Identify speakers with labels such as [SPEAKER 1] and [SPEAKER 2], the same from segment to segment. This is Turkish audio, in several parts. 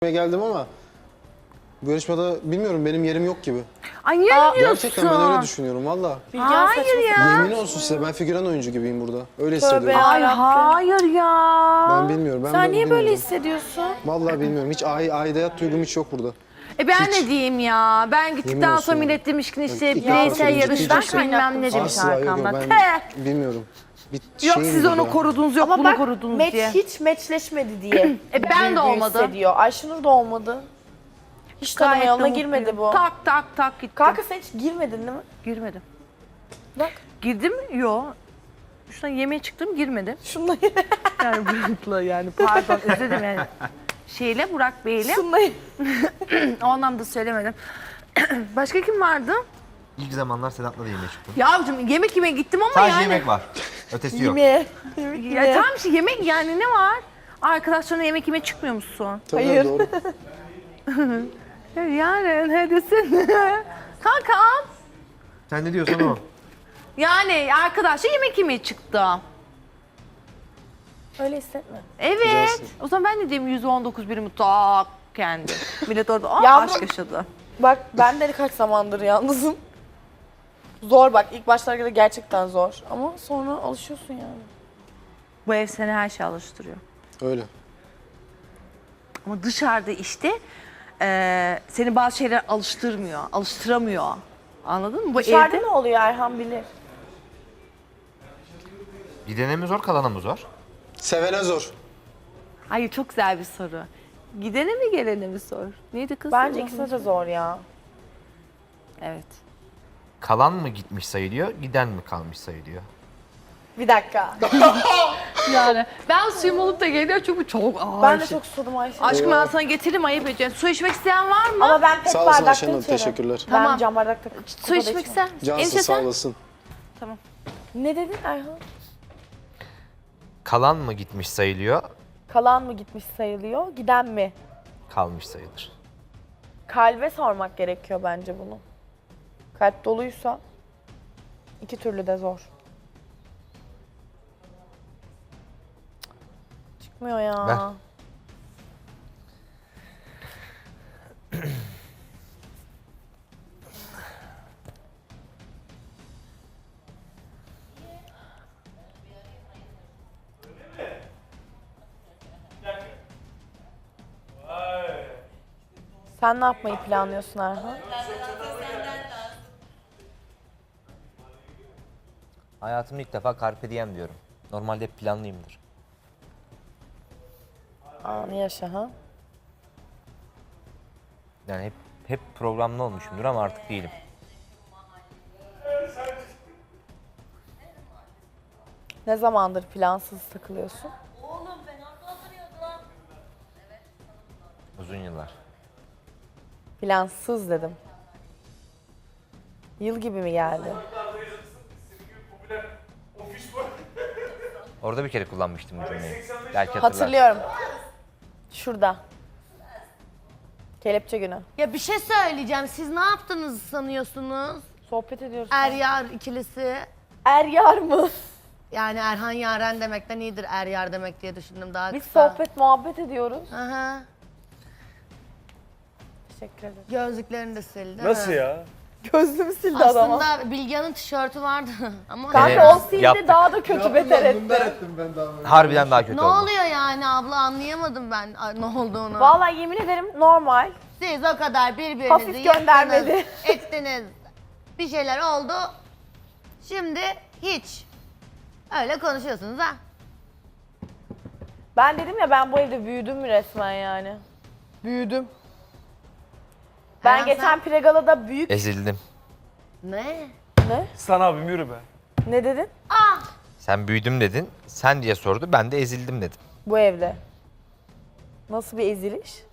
[SPEAKER 1] geldim ama bu yarışmada bilmiyorum, benim yerim yok gibi.
[SPEAKER 2] Ay niye diyorsun?
[SPEAKER 1] Gerçekten ben öyle düşünüyorum valla.
[SPEAKER 2] Hayır ya.
[SPEAKER 1] Yemin olsun size, ben figüran oyuncu gibiyim burada. Öyle hissediyorum.
[SPEAKER 2] Ay hayır ya.
[SPEAKER 1] Ben bilmiyorum.
[SPEAKER 3] Sen niye böyle
[SPEAKER 1] bilmiyorum.
[SPEAKER 3] hissediyorsun?
[SPEAKER 1] Vallahi bilmiyorum. Hiç aidiyet duygum hiç yok burada.
[SPEAKER 2] Ben
[SPEAKER 1] Hiç.
[SPEAKER 2] ne diyeyim ya? Ben
[SPEAKER 1] Yemin
[SPEAKER 2] gittikten
[SPEAKER 1] olsun
[SPEAKER 2] sonra
[SPEAKER 1] ya.
[SPEAKER 2] millet demiş ki işte
[SPEAKER 1] İlk
[SPEAKER 2] bireysel
[SPEAKER 1] defa
[SPEAKER 2] yarışmak
[SPEAKER 1] söyleyeceğim.
[SPEAKER 2] bilmem ne demiş
[SPEAKER 1] Asla yok,
[SPEAKER 2] arkamdan.
[SPEAKER 1] ben bilmiyorum. Bir
[SPEAKER 2] Yok
[SPEAKER 1] şeyim
[SPEAKER 2] siz
[SPEAKER 1] yok
[SPEAKER 2] onu
[SPEAKER 1] ya.
[SPEAKER 2] korudunuz, yok
[SPEAKER 3] Ama
[SPEAKER 2] bunu
[SPEAKER 3] bak
[SPEAKER 2] korudunuz
[SPEAKER 3] match
[SPEAKER 2] diye.
[SPEAKER 3] hiç matchleşmedi diye.
[SPEAKER 2] Ben de olmadı.
[SPEAKER 3] Hissediyor. Ayşenur da olmadı. Hiç tanıma
[SPEAKER 2] Gayet de
[SPEAKER 3] yoluna
[SPEAKER 2] mutluyum.
[SPEAKER 3] girmedi bu.
[SPEAKER 2] Tak tak tak gittim.
[SPEAKER 3] Kanka sen hiç girmedin değil mi?
[SPEAKER 2] Girmedim.
[SPEAKER 3] Bak.
[SPEAKER 2] Girdim mi? Yo. Şuna yemeğe çıktım, girmedim.
[SPEAKER 3] Şunla
[SPEAKER 2] Yani Burak'la yani pardon özür dilerim yani. Şeyle Burak Bey'le
[SPEAKER 3] şunla
[SPEAKER 2] o anlamda söylemedim. Başka kim vardı?
[SPEAKER 4] İlk zamanlar Sedat'la da yemeğe çıktım.
[SPEAKER 2] Yavcum yemek yemeye gittim ama
[SPEAKER 4] Sadece
[SPEAKER 2] yani.
[SPEAKER 4] yemek var. Ötesi yok.
[SPEAKER 3] yemeğe.
[SPEAKER 2] Ya tamam işte yemek yani ne var? Arkadaşlarına yemek yemeye çıkmıyor musun?
[SPEAKER 1] Tabii,
[SPEAKER 3] Hayır.
[SPEAKER 1] Doğru.
[SPEAKER 2] Yani ne desin? Kankam.
[SPEAKER 4] Sen ne diyorsan o.
[SPEAKER 2] Yani arkadaşla yemek yemeye çıktı.
[SPEAKER 3] Öyle hissetme.
[SPEAKER 2] Evet.
[SPEAKER 1] Güzelsin.
[SPEAKER 2] O zaman ben de diyeyim 119 birimi tak kendi. Millet orada
[SPEAKER 3] Yavrum.
[SPEAKER 2] aşk yaşadı.
[SPEAKER 3] Bak ben de kaç zamandır yalnızım. Zor bak ilk başlarda gerçekten zor. Ama sonra alışıyorsun yani.
[SPEAKER 2] Bu ev seni her şeye alıştırıyor.
[SPEAKER 1] Öyle.
[SPEAKER 2] Ama dışarıda işte seni bazı şeyler alıştırmıyor, alıştıramıyor. Anladın mı? Bu
[SPEAKER 3] Dışarıda
[SPEAKER 2] evde
[SPEAKER 3] ne oluyor Erhan bilir.
[SPEAKER 4] Gidene mi zor, kalana mı zor?
[SPEAKER 1] Sevene zor.
[SPEAKER 2] Hayır çok güzel bir soru. Gidene mi gelene mi sor? Neydi kız?
[SPEAKER 3] Bence
[SPEAKER 2] Allah'ım.
[SPEAKER 3] ikisi de zor ya.
[SPEAKER 2] Evet.
[SPEAKER 4] Kalan mı gitmiş sayılıyor, giden mi kalmış sayılıyor?
[SPEAKER 3] Bir dakika.
[SPEAKER 2] Yani ben suyum olup da geliyor çünkü çok ağır.
[SPEAKER 3] Ben de çok susadım Ayşe.
[SPEAKER 2] Aşkım ben sana getiririm ayıp edeceğim. Su içmek isteyen var mı?
[SPEAKER 3] Ama ben pek
[SPEAKER 1] Sağ olasın
[SPEAKER 3] bardakta
[SPEAKER 1] Ayşenur,
[SPEAKER 3] içerim.
[SPEAKER 1] teşekkürler.
[SPEAKER 3] Ben
[SPEAKER 2] Tamam.
[SPEAKER 3] cam bardakta
[SPEAKER 2] Su içmek ister misin?
[SPEAKER 1] Cansın,
[SPEAKER 2] Enişte
[SPEAKER 1] sağ
[SPEAKER 2] sen?
[SPEAKER 1] olasın.
[SPEAKER 3] Ne dedin Erhan?
[SPEAKER 4] Kalan mı gitmiş sayılıyor,
[SPEAKER 3] Kalan mı gitmiş sayılıyor, giden mi?
[SPEAKER 4] kalmış sayılır.
[SPEAKER 3] Kalbe sormak gerekiyor bence bunu. Kalp doluysa iki türlü de zor. Çıkmıyor ya.
[SPEAKER 4] Ver.
[SPEAKER 3] Sen ne yapmayı planlıyorsun Erhan?
[SPEAKER 5] Hayatımda ilk defa Carpe Diem diyorum. Normalde hep planlıyımdır.
[SPEAKER 3] Anı yaşa ha.
[SPEAKER 5] Yani hep programlı olmuşumdur ama artık değilim.
[SPEAKER 3] Ne zamandır plansız takılıyorsun?
[SPEAKER 5] Uzun yıllar.
[SPEAKER 3] Plansız dedim. Yıl gibi mi geldi?
[SPEAKER 5] Orada bir kere kullanmıştım bu cümleyi. Belki hatırlarsın.
[SPEAKER 3] Hatırlıyorum. Şurada. Kelepçe günü.
[SPEAKER 6] Ya bir şey söyleyeceğim. Siz ne yaptınız sanıyorsunuz?
[SPEAKER 3] Sohbet ediyoruz.
[SPEAKER 6] Er-yar ikilisi.
[SPEAKER 3] Er yar mı?
[SPEAKER 6] Yani Erhan Yaren demekten iyidir er-yar demek diye düşündüm daha
[SPEAKER 3] Biz
[SPEAKER 6] kısa.
[SPEAKER 3] sohbet muhabbet ediyoruz.
[SPEAKER 6] Aha.
[SPEAKER 3] Teşekkür ederim.
[SPEAKER 6] Gözlüklerini de sildi.
[SPEAKER 7] Nasıl ya?
[SPEAKER 3] Gözlüğümü sildi adama.
[SPEAKER 6] Aslında Bilgehan'ın tişörtü vardı ama
[SPEAKER 3] Kanka
[SPEAKER 5] Evet,
[SPEAKER 3] o sildi
[SPEAKER 5] yaptık.
[SPEAKER 3] daha da kötü beter etti.
[SPEAKER 5] Harbiden daha kötü
[SPEAKER 6] ne
[SPEAKER 5] oldu.
[SPEAKER 6] oluyor yani abla anlayamadım ben ne olduğunu.
[SPEAKER 3] Vallahi yemin ederim normal.
[SPEAKER 6] Siz o kadar birbirinizi
[SPEAKER 3] Hafif göndermeli.
[SPEAKER 6] ettiniz. Bir şeyler oldu. Şimdi hiç. Öyle konuşuyorsunuz ha.
[SPEAKER 3] Ben dedim ya ben bu evde büyüdüm resmen yani. Büyüdüm. Ben
[SPEAKER 6] Erhan,
[SPEAKER 3] geçen
[SPEAKER 6] sen-
[SPEAKER 3] Pregala'da büyük...
[SPEAKER 5] Ezildim.
[SPEAKER 6] Ne?
[SPEAKER 3] Ne?
[SPEAKER 7] Sana abim yürü be.
[SPEAKER 3] Ne dedin?
[SPEAKER 5] Sen büyüdüm dedin. Sen diye sordu. Ben de ezildim dedim.
[SPEAKER 3] Bu evde. Nasıl bir eziliş?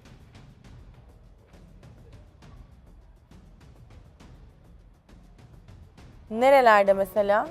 [SPEAKER 3] Nerelerde mesela?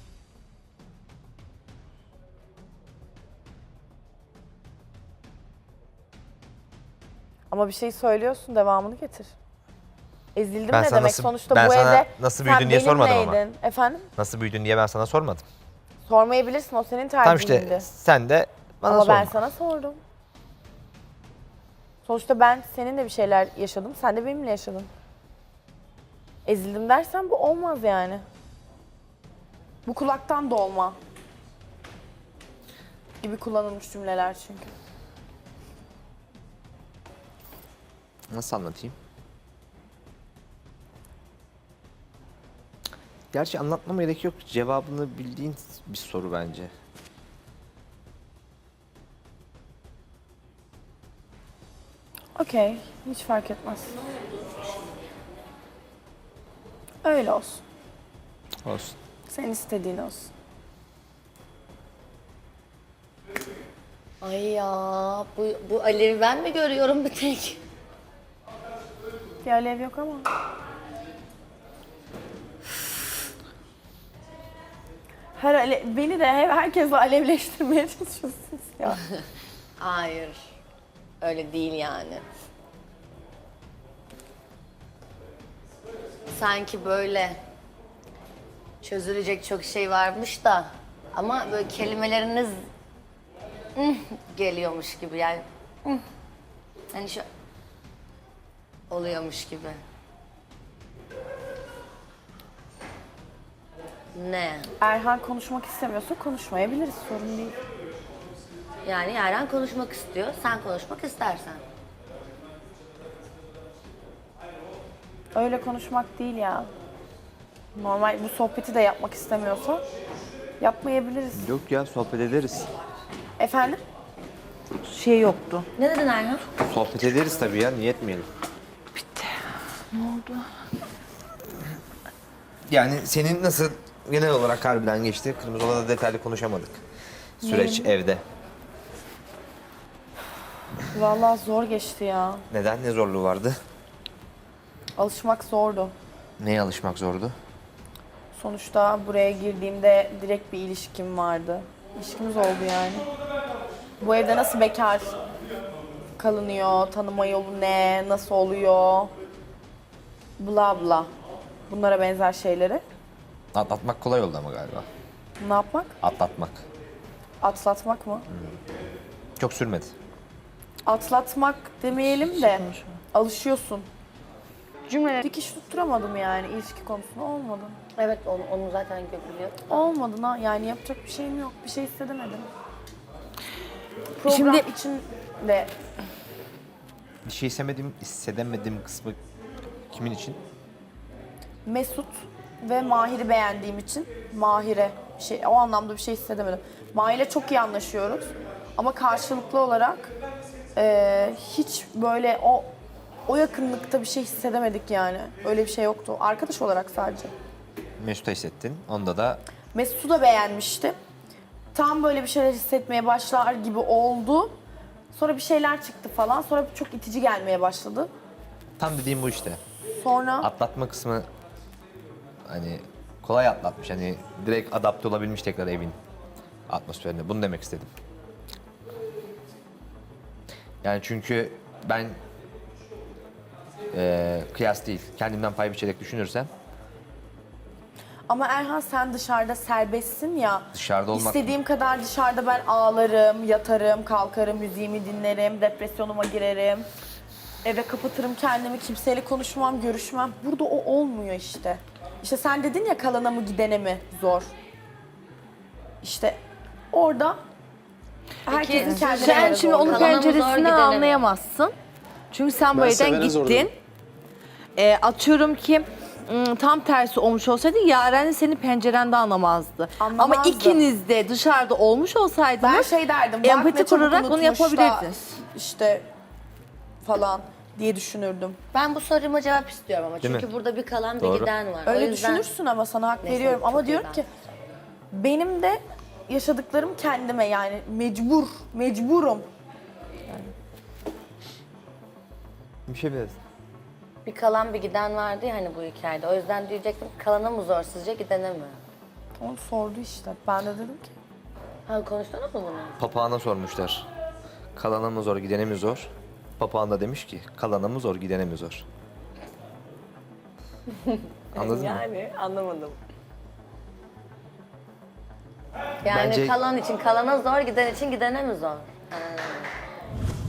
[SPEAKER 3] Ama bir şey söylüyorsun, devamını getir. Ezildim
[SPEAKER 5] Ben
[SPEAKER 3] ne
[SPEAKER 5] sana
[SPEAKER 3] demek?
[SPEAKER 5] nasıl-
[SPEAKER 3] Sonuçta
[SPEAKER 5] ben
[SPEAKER 3] bu
[SPEAKER 5] sana
[SPEAKER 3] evde
[SPEAKER 5] nasıl
[SPEAKER 3] sen
[SPEAKER 5] büyüdün diye sormadım ama.
[SPEAKER 3] benimleydin. Efendim?
[SPEAKER 5] Nasıl büyüdün diye ben sana sormadım.
[SPEAKER 3] Sormayabilirsin, o senin
[SPEAKER 5] Tamam
[SPEAKER 3] tercihindi.
[SPEAKER 5] işte sen de bana
[SPEAKER 3] Ama
[SPEAKER 5] sorma.
[SPEAKER 3] ben sana sordum. Sonuçta ben seninle bir şeyler yaşadım, sen de benimle yaşadın. Ezildim dersen bu olmaz yani. Bu kulaktan dolma gibi kullanılmış cümleler çünkü.
[SPEAKER 5] Nasıl anlatayım? Gerçi anlatmama gerek yok. Cevabını bildiğin bir soru bence.
[SPEAKER 3] Okey, hiç fark etmez. Öyle olsun.
[SPEAKER 5] Olsun.
[SPEAKER 3] Senin istediğin olsun.
[SPEAKER 6] Ay ya bu Alev'i ben mi görüyorum bir tek?
[SPEAKER 3] Bir alev yok ama. Beni de herkesle alevleştirmeye çalışıyorsunuz ya.
[SPEAKER 6] Hayır. Öyle değil yani. Sanki böyle çözülecek çok şey varmış da ama böyle kelimeleriniz geliyormuş gibi yani. Hani şu oluyormuş gibi. Ne?
[SPEAKER 3] Erhan konuşmak istemiyorsa konuşmayabiliriz, sorun değil.
[SPEAKER 6] Yani Yaren konuşmak istiyor, sen konuşmak istersen.
[SPEAKER 3] Öyle konuşmak değil ya. Normal bu sohbeti de yapmak istemiyorsa yapmayabiliriz.
[SPEAKER 5] Yok ya, sohbet ederiz.
[SPEAKER 3] Efendim?
[SPEAKER 2] Şey yoktu.
[SPEAKER 6] Ne dedin Erhan?
[SPEAKER 5] Sohbet ederiz tabii ya, niye etmeyelim?
[SPEAKER 2] Ne oldu?
[SPEAKER 5] Yani senin nasıl genel olarak harbiden geçti? Kırmızı Oda'da detaylı konuşamadık. Süreç evde.
[SPEAKER 3] Vallahi zor geçti ya.
[SPEAKER 5] Neden? Ne zorluğu vardı?
[SPEAKER 3] Alışmak zordu.
[SPEAKER 5] Neye alışmak zordu?
[SPEAKER 3] Sonuçta buraya girdiğimde direkt bir ilişkim vardı. İlişkimiz oldu yani. Bu evde nasıl bekar kalınıyor, tanıma yolu ne, nasıl oluyor, bla bla. Bunlara benzer şeyleri.
[SPEAKER 5] Atlatmak kolay oldu ama galiba.
[SPEAKER 3] Ne yapmak?
[SPEAKER 5] Atlatmak.
[SPEAKER 3] Atlatmak mı?
[SPEAKER 5] Çok sürmedi.
[SPEAKER 3] Atlatmak demeyelim de alışıyorsun. Cümle dikiş tutturamadım yani ilişki konusunda olmadı.
[SPEAKER 6] Evet onu zaten biliyor.
[SPEAKER 3] Olmadı yani yapacak bir şeyim yok. Bir şey hissedemedim. Program için de
[SPEAKER 5] Bir şey hissedemedim kısmı kimin için?
[SPEAKER 3] Mesut ve Mahir'i beğendiğim için Mahir'e o anlamda bir şey hissedemedim. Mahir'le çok iyi anlaşıyoruz ama karşılıklı olarak hiç böyle o yakınlıkta bir şey hissedemedik yani. Öyle bir şey yoktu. Arkadaş olarak sadece.
[SPEAKER 5] Mesut'a hissettin. Onda da
[SPEAKER 3] Mesut'u da beğenmiştim. Tam böyle bir şeyler hissetmeye başlar gibi oldu. Sonra bir şeyler çıktı falan. Sonra çok itici gelmeye başladı.
[SPEAKER 5] tam dediğim bu işte.
[SPEAKER 3] Sonra
[SPEAKER 5] Atlatma kısmı hani kolay atlatmış. Hani direkt adapte olabilmiş tekrar evin atmosferine. Bunu demek istedim. Yani çünkü ben kıyas değil, kendimden pay biçerek düşünürsem
[SPEAKER 3] ama Erhan sen dışarıda serbestsin ya.
[SPEAKER 5] dışarıda olmak
[SPEAKER 3] İstediğim kadar dışarıda ben ağlarım, yatarım, kalkarım, müziğimi dinlerim, depresyonuma girerim. Eve kapatırım kendimi, kimseyle konuşmam, görüşmem. Burada o olmuyor işte. İşte sen dedin ya kalana mı gidene mi zor. İşte orada herkesin kendine
[SPEAKER 2] Sen
[SPEAKER 3] göre
[SPEAKER 2] şimdi
[SPEAKER 3] zorluğu.
[SPEAKER 2] onun
[SPEAKER 6] Kalana mı zor,
[SPEAKER 2] penceresini
[SPEAKER 6] gidene mi?
[SPEAKER 2] anlayamazsın. Çünkü sen bu
[SPEAKER 1] Ben
[SPEAKER 2] evden
[SPEAKER 1] sevene zor
[SPEAKER 2] gittin.
[SPEAKER 1] dedim.
[SPEAKER 2] Atıyorum ki tam tersi olmuş olsaydı Yaren de senin pencerende anlamazdı. Ama
[SPEAKER 3] Anlamazdı.
[SPEAKER 2] ikiniz de dışarıda olmuş olsaydınız
[SPEAKER 3] Ben şey derdim, bak
[SPEAKER 2] empati
[SPEAKER 3] ne çabuk
[SPEAKER 2] kurarak bunu
[SPEAKER 3] unutmuş da
[SPEAKER 2] yapabilirdiniz.
[SPEAKER 3] işte falan diye düşünürdüm.
[SPEAKER 6] Ben bu soruma cevap istiyorum ama
[SPEAKER 5] Değil
[SPEAKER 6] çünkü
[SPEAKER 5] mi?
[SPEAKER 6] burada bir kalan bir
[SPEAKER 5] Doğru.
[SPEAKER 6] giden var.
[SPEAKER 3] Öyle
[SPEAKER 6] o yüzden
[SPEAKER 3] düşünürsün ama sana hak
[SPEAKER 6] Neyse,
[SPEAKER 3] veriyorum. Ama
[SPEAKER 6] çok iyi
[SPEAKER 3] diyorum ki benim de yaşadıklarım kendime yani mecburum.
[SPEAKER 5] bir şey biliriz.
[SPEAKER 6] bir kalan bir giden vardı ya hani bu hikayede. O yüzden diyecektim kalana mı zor sizce gidene mi?
[SPEAKER 3] Onu sordu işte. Ben de dedim ki
[SPEAKER 6] Ha konuştunuz mu bunu?
[SPEAKER 5] Papağana sormuşlar. Kalana mı zor, gidene mi zor? Papağan da demiş ki kalana mı zor, gidene mi zor? Anladın mı?
[SPEAKER 6] Yani anlamadım. Yani
[SPEAKER 5] Bence-
[SPEAKER 6] kalan için kalana zor, giden için gidene mi zor? Ha.